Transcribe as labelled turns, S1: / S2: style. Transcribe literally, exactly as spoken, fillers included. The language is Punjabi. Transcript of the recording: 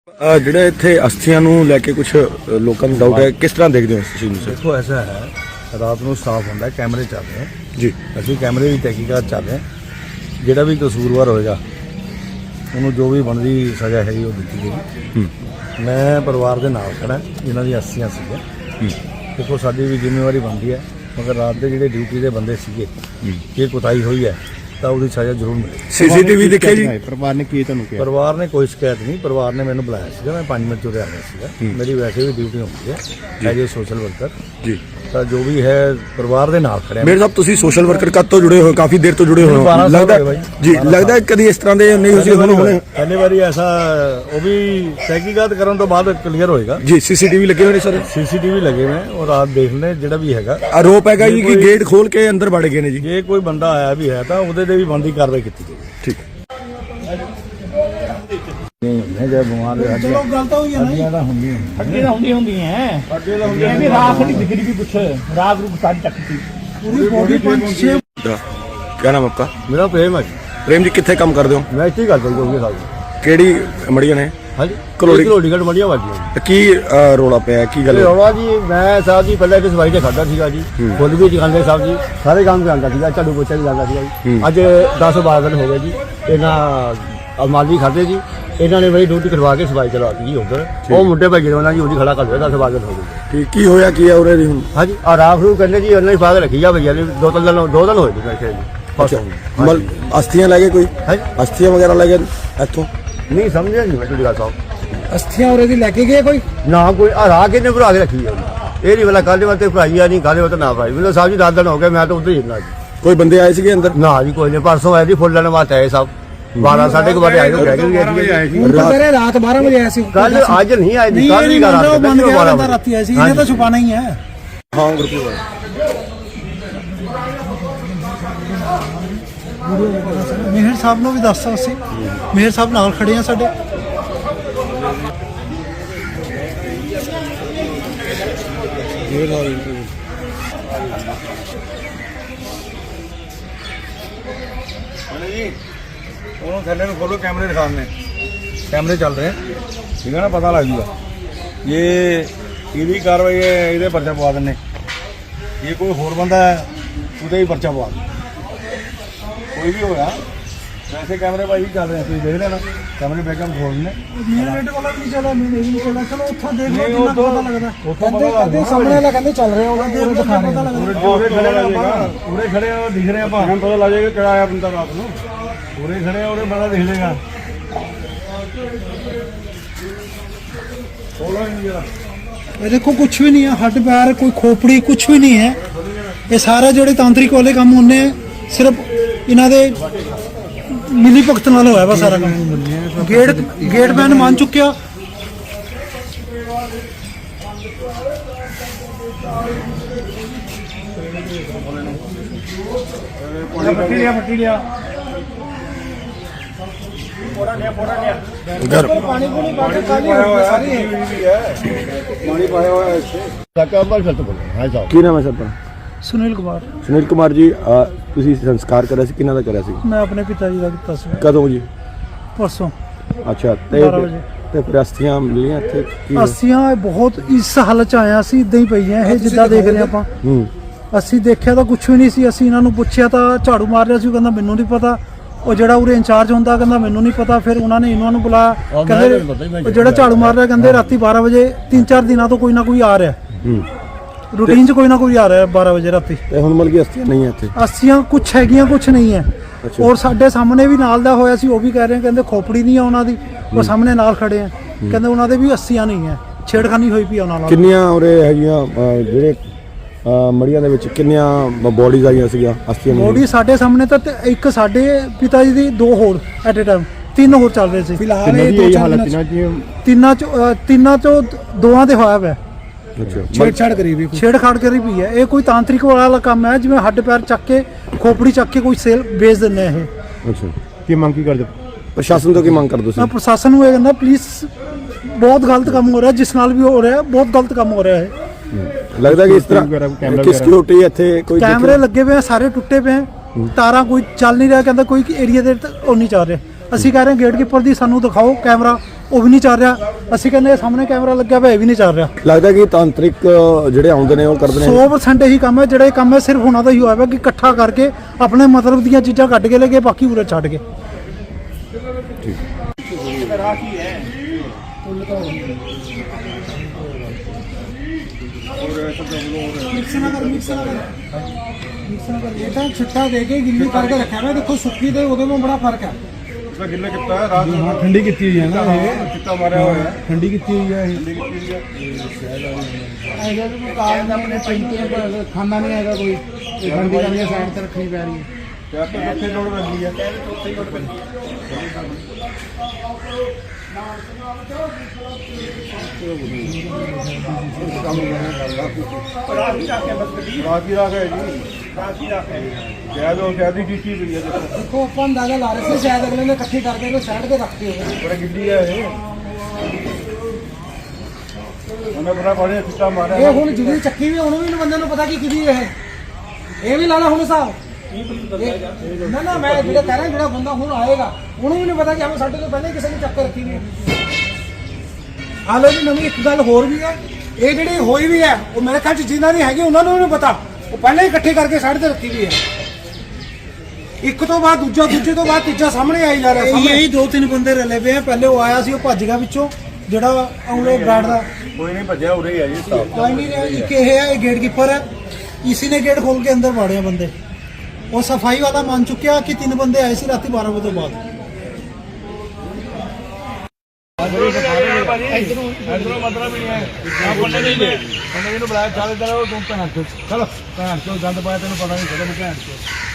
S1: ਜਿਹੜੇ ਇੱਥੇ ਅਸਥੀਆਂ ਨੂੰ ਲੈ ਕੇ ਕੁਝ ਲੋਕਾਂ ਨੂੰ ਡਾਊਟ ਹੈ, ਕਿਸ ਤਰ੍ਹਾਂ ਦੇਖਦੇ ਹੋ ਇਸ ਚੀਜ਼ ਨੂੰ?
S2: देखो ऐसा है, रात ਨੂੰ ਸਾਫ਼ ਹੁੰਦਾ, ਕੈਮਰੇ ਚੱਲ ਰਹੇ
S1: ਜੀ,
S2: ਅਸੀਂ ਕੈਮਰੇ ਦੀ ਤਹਿਕੀਕਾਤ ਚੱਲ ਰਹੇ, ਜਿਹੜਾ ਵੀ ਕਸੂਰਵਾਰ ਹੋਏਗਾ ਉਹਨੂੰ ਜੋ ਵੀ ਬਣਦੀ ਸਜ਼ਾ ਹੈਗੀ ਉਹ ਦਿੱਤੀ ਜਾਏਗੀ। ਮੈਂ ਪਰਿਵਾਰ ਦੇ ਨਾਲ ਖੜਾ ਜਿਨ੍ਹਾਂ ਦੀ ਅਸਥੀਆਂ ਸੀਗੀਆਂ। ਦੇਖੋ ਸਾਡੀ ਵੀ ਜ਼ਿੰਮੇਵਾਰੀ ਬਣਦੀ ਹੈ, ਮਗਰ ਰਾਤ ਦੇ ਜਿਹੜੇ ਡਿਊਟੀ ਦੇ ਬੰਦੇ ਸੀਗੇ ਜੇ ਕੁਤਾਹੀ ਹੋਈ ਹੈ ਤਾਂ ਉਹਦੀ ਸਜ਼ਾ ਜ਼ਰੂਰ ਮਿਲੇ।
S1: ਸੀਸੀਟੀਵੀ ਦੇਖਿਆ ਜੀ?
S3: ਪਰਿਵਾਰ ਨੇ ਕੀ ਤੁਹਾਨੂੰ ਕਿਹਾ?
S2: ਪਰਿਵਾਰ ਨੇ ਕੋਈ ਸ਼ਿਕਾਇਤ ਨਹੀਂ, ਪਰਿਵਾਰ ਨੇ ਮੈਨੂੰ ਬੁਲਾਇਆ ਸੀਗਾ, ਮੈਂ ਪੰਜ ਮਿੰਟ ਤੋਂ ਰਿਹਾ ਸੀਗਾ। ਮੇਰੀ ਵੈਸੇ ਵੀ ਡਿਊਟੀ ਹੁੰਦੀ ਹੈ ਐਜ ਏ ਸੋਸ਼ਲ ਵਰਕਰ ਜੀ, ਤਾਂ ਜੋ ਵੀ ਹੈ ਪਰਿਵਾਰ ਦੇ ਨਾਲ ਖੜਿਆ।
S1: ਮੇਰੇ ਸਾਹਿਬ ਤੁਸੀਂ ਸੋਸ਼ਲ ਵਰਕਰ ਕਦ ਤੋਂ ਜੁੜੇ ਹੋ? ਕਾਫੀ ਦੇਰ ਤੋਂ ਜੁੜੇ ਹੋ ਲੱਗਦਾ ਜੀ। ਲੱਗਦਾ ਕਦੀ ਇਸ ਤਰ੍ਹਾਂ ਦੇ ਨਹੀਂ ਹੋਈ? ਹੁਣ
S2: ਪਹਿਲੀ ਵਾਰੀ ਐਸਾ ਉਹ ਵੀ ਤਹਿਕੀਕਾਤ ਕਰਨ ਤੋਂ ਬਾਅਦ ਕਲੀਅਰ ਹੋਏਗਾ
S1: ਜੀ। ਸੀਸੀਟੀਵੀ ਲੱਗੇ ਹੋਏ ਨੇ ਸਰ?
S2: ਸੀਸੀਟੀਵੀ ਲੱਗੇ ਹੋਏ ਉਹ ਰਾਤ ਦੇਖ ਲੈ, ਜਿਹੜਾ ਵੀ ਹੈਗਾ
S1: ਆਰੋਪ ਹੈਗਾ ਜੀ ਕਿ ਗੇਟ ਖੋਲ ਕੇ ਅੰਦਰ ਵੜ ਗਏ ਨੇ ਜੀ।
S2: ਜੇ ਕੋਈ ਬੰਦਾ ਆਇਆ ਵੀ ਹੈ ਤਾਂ ਉਹਦੇ ਤੇ ਵੀ ਬਣਦੀ ਕਾਰਵਾਈ ਕੀਤੀ ਜਾਏਗੀ।
S1: ਠੀਕ
S2: ਨਹੀਂ ਜੇ ਬਿਮਾਰ ਹੋ
S4: ਚਲੋ ਗੱਲ ਤਾਂ ਹੋਈ ਹੈ ਨਾ,
S2: ਤਾਂ ਹੁੰਦੀਆਂ
S4: ਅੱਗੇ ਤਾਂ ਹੁੰਦੀ ਹੁੰਦੀਆਂ
S2: ਅੱਗੇ ਤਾਂ ਹੁੰਦੀਆਂ
S4: ਇਹ ਵੀ ਰਾਤ ਦੀ ਦਿਖਦੀ ਵੀ ਕੁਛ ਰਾਤ ਨੂੰ ਸਾਰੀ ਚੱਕਤੀ
S2: ਪੂਰੀ ਬੋਡੀ ਪੰਜ ਛੇ।
S1: क्या नाम आपका?
S2: ਮੇਰਾ ਪ੍ਰੇਮ ਹੈ ਜੀ।
S1: प्रेम जी कितने काम कर दो?
S2: ਮੈਂ ਇੱਥੇ ਹੀ ਗੱਲ ਕਰੀ ਸਾਹਿਬ।
S1: ਕਿਹੜੀ ਮੜੀਆਂ ਨੇ?
S2: ਹਾਂਜੀ
S1: ਕਲੋੜੀ
S2: ਕਲੋੜੀ ਘੜ ਮੜੀਆਂ ਵਾਜੀਆਂ।
S1: ਕੀ ਅ, ਰੌਲਾ ਪਿਆ? ਕੀ ਗੱਲ?
S2: ਰੌਲਾ ਜੀ ਮੈਂ ਸਾਹਿਬ ਜੀ ਪਹਿਲਾਂ ਇੱਕ ਸਫਾਈ ਤੇ ਖੜਦਾ ਸੀਗਾ ਜੀ, ਫੁੱਲ ਵੀ ਚਕਾਉਂਦੇ ਸਾਹਿਬ ਜੀ, ਸਾਰੇ ਕੰਮ ਕਰਾਂਦਾ ਸੀਗਾ, ਝਾੜੂ ਪੋਚਾ ਵੀ ਲਾਉਂਦਾ ਸੀਗਾ ਜੀ। ਅੱਜ ਦਸ ਬਾਰਾਂ ਦਿਨ ਹੋ ਗਏ ਜੀ, ਇਹਨਾਂ ਅਲਮਾਰੀ ਖਾਦੇ ਜੀ, ਇਹਨਾਂ ਨੇ ਮੇਰੀ ਡਿਊਟੀ ਕਰਵਾ ਕੇ ਸਫਾਈ ਚਲਾਤੀ ਜੀ ਉੱਧਰ। ਉਹ ਮੁੰਡੇ ਭਾਈ ਜਿਹੜਾ ਜੀ ਉਹਦੀ ਖੜਾ ਕਰ ਲਿਆ, ਦਸ ਬਾਰਾਂ ਦਿਨ ਹੋ ਗਏ।
S1: ਠੀਕ, ਕੀ ਹੋਇਆ ਕੀ ਹੈ ਉਰੇ ਦੀ ਹੁਣ?
S2: ਹਾਂਜੀ ਆ ਰਾਖ ਨੂੰ ਕਹਿੰਦੇ ਜੀ ਉਹਨਾਂ ਹੀ ਪਾ ਕੇ ਰੱਖੀ ਆ ਭਈਆ ਨੇ, ਦੋ ਤਿੰਨ ਦਿਨ ਦੋ ਦਿਨ ਹੋਏ ਜੀ ਮੈਂ ਕਿਹਾ ਜੀ।
S1: ਮਲ ਅਸਥੀਆਂ ਲੈ ਗਏ ਕੋਈ?
S2: ਹਾਂਜੀ
S1: ਅਸਥੀਆਂ ਵਗੈਰਾ ਲੈ ਗਏ ਇੱਥੋਂ?
S2: ਨਹੀਂ ਸਮਝਿਆ ਨਹੀਂ ਮੈਂ ਤੁਹਾਡੀ ਗੱਲ ਸਾਹਿਬ।
S4: ਅਸਥੀਆਂ ਉਰੇ ਦੀ ਲੈ ਕੇ ਗਏ ਕੋਈ?
S2: ਨਾ ਕੋਈ ਆ ਰਾਖ ਕਿੰਨੇ ਭਰਾ ਕੇ ਰੱਖੀ ਆ ਇਹ ਨਹੀਂ ਵਾਲਾ ਕੱਲ੍ਹ ਵਾਤੇ ਭਰਾਈ ਆ, ਨਹੀਂ ਕੱਲ੍ਹ ਵਾਤੇ ਨਾ ਭਰਾਈ। ਮੈਨੂੰ ਸਾਹਿਬ ਜੀ ਦਸ ਦਿਨ ਹੋ ਗਏ, ਮੈਂ ਤਾਂ ਉੱਧਰ ਹੀ ਹੁੰਦਾ ਜੀ।
S1: ਕੋਈ ਬੰਦੇ ਆਏ ਸੀਗੇ ਅੰਦਰ?
S2: ਨਾ ਜੀ ਕੋਈ ਨਹੀਂ, ਪਰਸੋਂ ਆਏ ਜੀ ਫੁੱਲ ਲੈਣ ਵਾਸਤੇ ਆਏ ਸਭ, ਬਾਰਾਂ ਸਾਢੇ ਕੁ ਵਜੇ ਆਏ ਤਾਂ ਕਹਿ ਕੇ
S4: ਹੁਣ ਤਾਂ ਸਵੇਰੇ ਰਾਤ ਬਾਰਾਂ ਵਜੇ ਆਇਆ ਸੀ।
S2: ਕੱਲ ਅੱਜ ਨਹੀਂ ਆਏ ਜੀ, ਕੱਲ
S4: ਨਹੀਂ
S2: ਵੀ
S4: ਮੰਨ ਲਓ ਬੰਦ ਗਿਆ
S2: ਬਾਰਾਂ
S4: ਤਾਂ ਰਾਤੀ ਆਏ ਸੀ, ਇਹਨੇ ਤਾਂ ਛੁਪਾਣਾ ਹੀ ਹੈ।
S1: ਹਾਂ ਗੁਰਪ੍ਰੀਤ
S4: ਮੇਹਰ ਸਾਹਿਬ ਨੂੰ ਵੀ ਦੱਸਤਾ ਅਸੀਂ, ਮੇਹਰ ਸਾਹਿਬ ਨਾਲ ਖੜੇ ਆ ਸਾਡੇ।
S2: ਉਹਨੂੰ ਥੱਲੇ ਨੂੰ ਖੋਲੋ, ਕੈਮਰੇ ਦਿਖਾਉਣੇ, ਕੈਮਰੇ ਚੱਲ ਰਹੇ ਠੀਕ ਹੈ ਨਾ, ਪਤਾ ਲੱਗ ਜੂਗਾ। ਇਹ ਇਹਦੀ ਕਾਰਵਾਈ ਹੈ, ਇਹਦੇ ਪਰਚਾ ਪਵਾ ਦਿੰਨੇ। ਇਹ ਕੋਈ ਹੋਰ ਬੰਦਾ ਹੈ ਉਹਦੇ ਹੀ ਪਰਚਾ ਪਵਾ ਦੇ, ਕੋਈ ਵੀ ਹੋਇਆ। ਵੈਸੇ ਕੈਮਰੇ ਭਾਈ ਚੱਲ ਰਹੇ, ਤੁਸੀਂ ਦੇਖ ਲੈਣਾ, ਕੈਮਰੇ ਬੈਕਅਪ ਖੋਲ ਨੇ।
S4: ਮੇਨ ਰੇਟ ਵਾਲਾ ਨਹੀਂ ਚੱਲਿਆ, ਮੇਨ ਇਹ ਨਹੀਂ ਚੱਲਿਆ। ਚਲੋ ਉੱਥੋਂ ਦੇਖ ਲਓ ਕਿੰਨਾ
S2: ਉੱਥੋਂ-
S4: ਪਤਾ ਲੱਗਦਾ।
S2: ਉੱਥੋਂ
S4: ਕਹਿੰਦੇ
S2: ਪਤਾ
S4: ਕਹਿੰਦੇ ਸਾਹਮਣੇ ਵਾਲਾ ਕਹਿੰਦੇ ਚੱਲ ਰਿਹਾ, ਉਹਨਾਂ ਦੇ ਦਿਖਾ ਰਹੇ ਆ।
S2: ਪੂਰੇ ਖੜੇ ਆ, ਪੂਰੇ ਖੜੇ ਆ, ਦਿਖ ਰਹੇ ਆਪਾਂ, ਹੁਣ ਪਤਾ ਲੱਗ ਜਾਏਗਾ ਕਿਹੜਾ ਆਇਆ ਬੰਦਾ ਰਾਤ ਨੂੰ। ਪੂਰੇ ਖੜੇ ਆ, ਉਹਨੇ ਬੰਦਾ ਦਿਖ ਲੇਗਾ।
S4: ਇਹ ਦੇਖੋ ਕੁਛ ਵੀ ਨਹੀਂ ਹੈ, ਹੱਡ ਪੈਰ ਕੋਈ ਖੋਪੜੀ ਕੁਛ ਵੀ ਨਹੀਂ ਹੈ। ਇਹ ਸਾਰਾ ਜਿਹੜੇ ਤਾਂਤਰਿਕ ਵਾਲੇ ਕੰਮ ਹੁੰਦੇ ਸਿਰਫ ਇਹਨਾਂ ਦੇ ਮਿਲੀ ਭਗਤ ਨਾਲ ਹੋਇਆ ਵਾ ਸਾਰਾ ਕੰਮ। ਗੇਟ ਗੇਟ ਮੈਨ ਮੰਨ ਚੁੱਕਿਆ।
S2: ਪੱਟੀ ਲਿਆ, ਪੱਟੀ ਲਿਆ,
S1: ਘਰ
S4: ਪਾਣੀ ਪੂਣੀ ਪਾ ਕੇ
S2: ਪਾਣੀ ਪਾਇਆ ਹੋਇਆ ਇੱਥੇ। ਕਾਕਾ ਬਾਲ ਖਤ ਬੋਲ ਹਾਂ ਸਾਹਿਬ।
S1: ਕੀ ਨਾਮ ਹੈ ਸਰ?
S4: ਸੁਨੀਲ ਕੁਮਾਰ,
S1: ਸੁਨੀਲ ਕੁਮਾਰ ਜੀ, ਅ, ਤੁਸੀਂ ਸੰਸਕਾਰ ਕਰਿਆ ਸੀ, ਕਿਹਨਾਂ ਦਾ ਕਰਿਆ ਸੀ?
S4: ਮੈਂ ਆਪਣੇ ਪਿਤਾ ਜੀ ਦਾ ਕੀਤਾ ਸੀ
S1: ਕਦੋਂ ਜੀ?
S4: ਪਰਸੋਂ
S1: ਅੱਛਾ, ਤੇ
S4: ਬਾਰਾਂ ਵਜੇ।
S1: ਤੇ ਫਿਰ ਅਸਥੀਆਂ ਮਿਲੀਆਂ ਇੱਥੇ? ਕੀ
S4: ਅਸੀਂ ਬਹੁਤ ਇਸ ਹਾਲਤ ਚ ਆਇਆ ਸੀ, ਇਦਾਂ ਹੀ ਪਈਆਂ ਇਹ ਜਿੱਦਾਂ ਦੇਖ ਰਹੇ ਆਪਾਂ।
S1: ਹੂੰ
S4: ਅਸੀਂ ਦੇਖਿਆ ਤਾਂ ਕੁਝ ਵੀ ਨਹੀਂ ਸੀ। ਅਸੀਂ ਇਹਨਾਂ ਨੂੰ ਪੁੱਛਿਆ ਤਾਂ ਝਾੜੂ ਮਾਰ ਰਿਹਾ ਸੀ, ਉਹ ਕਹਿੰਦਾ ਮੈਨੂੰ ਨਹੀਂ ਪਤਾ। ਉਹ ਜਿਹੜਾ ਉਰੇ ਇੰਚਾਰਜ ਹੁੰਦਾ ਕਹਿੰਦਾ ਮੈਨੂੰ ਨਹੀਂ ਪਤਾ। ਫਿਰ ਉਹਨਾਂ ਨੇ ਇਹਨਾਂ ਨੂੰ ਬੁਲਾਇਆ, ਕਹਿੰਦੇ ਉਹ ਜਿਹੜਾ ਝਾੜੂ ਮਾਰ ਰਿਹਾ ਕਹਿੰਦੇ ਰਾਤੀ ਬਾਰਾਂ ਵਜੇ ਤਿੰਨ ਚਾਰ ਦਿਨਾਂ ਤੋਂ ਕੋਈ ਨਾ ਕੋਈ ਆ ਰਿਹਾ,
S1: ਹੂੰ
S4: ਰੂਟੀਨ 'ਚ ਕੋਈ ਨਾ ਕੋਈ ਆ ਰਿਹਾ ਬਾਰਾਂ ਵਜੇ ਰਾਤੀ।
S1: ਤੇ ਹੁਣ ਮਿਲ ਗਈ ਅਸਥੀਆਂ ਨਹੀਂ ਹੈ ਇੱਥੇ?
S4: ਅੱਸੀਆਂ ਕੁਛ ਹੈਗੀਆਂ ਕੁਛ ਨਹੀਂ ਹੈ।
S1: ਅੱਛਾ।
S4: ਔਰ ਸਾਡੇ ਸਾਹਮਣੇ ਵੀ ਨਾਲ ਦਾ ਹੋਇਆ ਸੀ, ਉਹ ਵੀ ਕਹਿ ਰਹੇ ਕਹਿੰਦੇ ਖੋਪੜੀ ਨਹੀਂ ਆ ਉਹਨਾਂ ਦੀ, ਉਹ ਸਾਹਮਣੇ ਨਾਲ ਖੜੇ ਆ, ਕਹਿੰਦੇ ਉਹਨਾਂ ਦੇ ਵੀ ਅੱਸੀਆਂ ਨਹੀਂ ਹੈ, ਛੇੜਖਾਨੀ ਹੋਈ ਪਈ ਉਹਨਾਂ ਨਾਲ।
S1: ਕਿੰਨੀਆਂ ਉਰੇ ਹੈਗੀਆਂ ਅ, ਜਿਹੜੇ ਅ, ਮੜੀਆਂ ਦੇ ਵਿੱਚ ਕਿੰਨੀਆਂ ਬੋਡੀਜ਼ ਆਈਆਂ ਸੀਗੀਆਂ ਅਸਥੀਆਂ ਦੀਆਂ?
S4: ਬੋਡੀ ਸਾਡੇ ਸਾਹਮਣੇ ਤਾਂ ਤੇ ਇੱਕ ਸਾਡੇ ਪਿਤਾ ਜੀ ਦੀ, ਦੋ ਹੋਰ ਐਟ ਅ ਟਾਈਮ, ਤਿੰਨ ਹੋਰ ਚੱਲ ਰਹੇ ਸੀ ਫਿਲਹਾਲ।
S3: ਇਹ ਹਾਲਤ ਨਾ ਜੀ
S4: ਤਿੰਨਾਂ ਚੋਂ ਅ, ਤਿੰਨਾਂ ਚੋਂ ਦੋਵਾਂ ਦੇ ਹੋਇਆ ਪਿਆ
S1: ਅੱਛਾ,
S4: ਛੇੜਛਾੜ ਕਰੀ ਵੀ ਛੇੜਖਾੜ ਕਰੀ ਵੀ ਹੈ। ਇਹ ਕੋਈ ਤਾਂਤਰਿਕ ਵਾਲਾ ਕੰਮ ਹੈ, ਜਿਵੇਂ ਹੱਡ ਪੈਰ ਚੱਕ ਕੇ ਖੋਪੜੀ ਚੱਕ ਕੇ ਕੋਈ ਸੇਲ ਵੇਚ ਦਿੰਦੇ ਆ ਇਹ।
S1: ਅੱਛਾ,
S3: ਕੀ ਮੰਗ ਕੀ ਕਰਦੇ?
S1: ਪ੍ਰਸ਼ਾਸਨ ਤੋਂ ਕੀ ਮੰਗ ਕਰਦੇ
S4: ਮੈਂ
S1: ਤੁਸੀਂ?
S4: ਪ੍ਰਸ਼ਾਸਨ ਨੂੰ ਇਹ ਕਹਿੰਦਾ ਪਲੀਜ਼, ਬਹੁਤ ਗਲਤ ਕੰਮ ਹੋ ਰਿਹਾ, ਜਿਸ ਨਾਲ ਵੀ ਹੋ ਰਿਹਾ ਬਹੁਤ ਗਲਤ ਕੰਮ ਹੋ ਰਿਹਾ ਹੈ।
S1: ਲੱਗਦਾ ਕਿ ਇਸ ਤਰ੍ਹਾਂ
S3: ਕੈਮਰਾ
S1: ਕਿ ਸਿਕਿਉਰਿਟੀ ਇੱਥੇ ਕੋਈ
S4: ਕੈਮਰੇ ਲੱਗੇ ਪਏ ਆ, ਸਾਰੇ ਟੁੱਟੇ ਪਏ ਆ, ਤਾਰਾਂ ਕੋਈ ਚੱਲ ਨਹੀਂ ਰਿਹਾ, ਕਹਿੰਦਾ ਕੋਈ ਏਰੀਆ ਦੇ ਉਹ ਨਹੀਂ ਚੱਲ ਰਿਹਾ। ਅਸੀਂ ਕਹਿ ਰਹੇ ਗੇਟਕੀਪਰ ਦੀ ਸਾਨੂੰ ਦਿਖਾਓ ਕੈਮਰਾ, ਉਹ ਵੀ ਨਹੀਂ ਚੱਲ ਰਿਹਾ। ਅਸੀਂ ਕਹਿੰਦੇ ਸਾਹਮਣੇ ਕੈਮਰਾ ਲੱਗਿਆ ਹੋਇਆ, ਇਹ ਵੀ ਨਹੀਂ ਚੱਲ ਰਿਹਾ।
S1: ਲੱਗਦਾ ਕਿ ਤਾਂਤਰਿਕ ਜਿਹੜੇ ਆਉਂਦੇ ਨੇ ਉਹ ਕਰਦੇ ਨੇ
S4: ਸੌ ਪਰਸੈਂਟ ਇਹੀ ਕੰਮ ਹੈ। ਜਿਹੜਾ ਇਹ ਕੰਮ ਹੈ ਸਿਰਫ ਉਹਨਾਂ ਦਾ ਹੀ ਹੋਇਆ ਵਾ ਕਿ ਇਕੱਠਾ ਕਰਕੇ ਆਪਣੇ ਮਤਲਬ ਦੀਆਂ ਚੀਜ਼ਾਂ ਕੱਢ ਕੇ ਲੈ ਗਏ, ਬਾਕੀ ਉਰੇ ਛੱਡ ਗਏ। ਮਿਕਸ ਨਾ ਕਰ ਮਿਕਸ ਨਾ ਕਰ ਮਿਕਸ ਨਾ ਕਰ। ਇਹ ਤਾਂ ਛਿੱਟਾ ਦੇ ਕੇ ਗਿੱਲੀ ਕਰਕੇ ਰੱਖਿਆ ਹੋਇਆ। ਦੇਖੋ ਸੁੱਕੀ ਤੇ ਉਹਦੇ ਵਿੱਚ ਬੜਾ ਫਰਕ ਹੈ।
S2: इसका गिल्ला कितना है रात में
S3: ਠੰਡੀ ਕੀਤੀ ਹੋਈ ਹੈ ਨਾ ਇਹ
S2: कितना मारा हुआ है
S3: ਠੰਡੀ ਕੀਤੀ ਹੋਈ ਹੈ ਇਹ
S2: ठंडी कितनी है
S3: ਇਹਦਾ ਵੀ ਕੋਈ ਕਾਰਨ ਆਪਣੇ ਪਿੰਡ ਖਾਣਾ ਨਹੀਂ ਹੈਗਾ ਕੋਈ ਠੰਡੀ ਕਰਕੇ ਸਾਈਡ ਤੇ ਰੱਖਣੀ ਪੈ ਰਹੀ ਹੈ
S2: क्या तो सबसे लोड लगी है राखी राख है जी राखी राख है क्या जो क्या दी चीज भी है देखो
S4: ਦੇਖੋ ਆਪਾਂ ਅੰਦਾਜ਼ਾ ਲਾ ਰਹੇ ਸੀ ਸ਼ਾਇਦ ਅਗਲੇ ਨੇ ਇਕੱਠੀ ਕਰਕੇ ਕੋਈ ਸਾਈਡ ਤੇ ਰੱਖੀ ਹੋਵੇ।
S2: बड़ा गिल्ली है ये मैंने बड़ा बड़े सिक्का मारा
S4: ਇਹ ਹੁਣ ਜਿਹਦੀ ਚੱਕੀ ਵੀ ਉਹਨੂੰ ਵੀ ਬੰਦੇ ਨੂੰ ਪਤਾ ਕਿ ਕਿਹਦੀ ਇਹ ਇਹ ਵੀ ਲਾ ਲਾ ਹੁਣ ਹਿਸਾਬ। ਇਹ- ਨਾ ਨਾ ਮੈਂ ਜਿਹੜਾ ਕਹਿ ਰਿਹਾ ਜਿਹੜਾ ਬੰਦਾ ਹੁਣ ਆਏਗਾ ਉਹਨੂੰ ਵੀ ਨਹੀਂ ਪਤਾ ਕਿ ਹਮ ਸਾਡੇ ਤੋਂ ਪਹਿਲਾਂ ਹੀ ਕਿਸੇ ਨੇ ਚੱਕ ਕੇ ਰੱਖੀ ਵੀ ਹੈ। ਹਾਲੇ ਵੀ ਨਵੀਂ ਇੱਕ ਗੱਲ ਹੋਰ ਵੀ ਹੈ, ਇਹ ਜਿਹੜੀ ਹੋਈ ਵੀ ਹੈ ਉਹ ਮੇਰੇ ਖਿਆਲ ਚ ਜਿਨ੍ਹਾਂ ਦੀ ਹੈਗੀ ਉਹਨਾਂ ਨੂੰ ਵੀ ਨਹੀਂ ਪਤਾ, ਉਹ ਪਹਿਲਾਂ ਹੀ ਇਕੱਠੇ ਕਰਕੇ ਸਾਈਡ ਤੇ ਰੱਖੀ ਵੀ ਹੈ। ਇੱਕ ਤੋਂ ਬਾਅਦ ਦੂਜਾ, ਦੂਜੇ ਤੋਂ ਬਾਅਦ ਤੀਜਾ ਸਾਹਮਣੇ ਆਈ ਜਾ ਰਿਹਾ। ਇਹੀ ਦੋ ਤਿੰਨ ਬੰਦੇ ਰਲੇ ਪਏ ਆ। ਪਹਿਲੇ ਉਹ ਆਇਆ ਸੀ, ਉਹ ਭੱਜ ਗਿਆ ਵਿੱਚੋਂ ਜਿਹੜਾ ਆਉਲੇ ਗਾਰਡ ਦਾ
S2: कोई नहीं भजया उरे ही है जी साहब
S4: ਕੋਈ ਨਹੀਂ ਰਿਹਾ। ਇੱਕ ਇਹ ਹੈ, ਇਹ ਗੇਟ ਕੀਪਰ ਹੈ, ਇਸੀ ਨੇ ਗੇਟ ਖੋਲ ਕੇ ਅੰਦਰ ਵਾੜਿਆ ਬੰਦੇ। ਉਹ ਸਫਾਈ ਵਾਲਾ ਮੰਨ ਚੁੱਕਿਆ ਕਿ ਤਿੰਨ ਬੰਦੇ ਆਏ ਸੀ ਰਾਤੀ ਬਾਰਾਂ ਵਜੇ ਤੋਂ ਬਾਅਦ।
S2: इधरों मतलब ही है आप बोलने नहीं दे बोलने नहीं बुलाया चल इधर तुम भैन चलो भैन चो गंद पाया तेन पता नहीं चलो भैन चो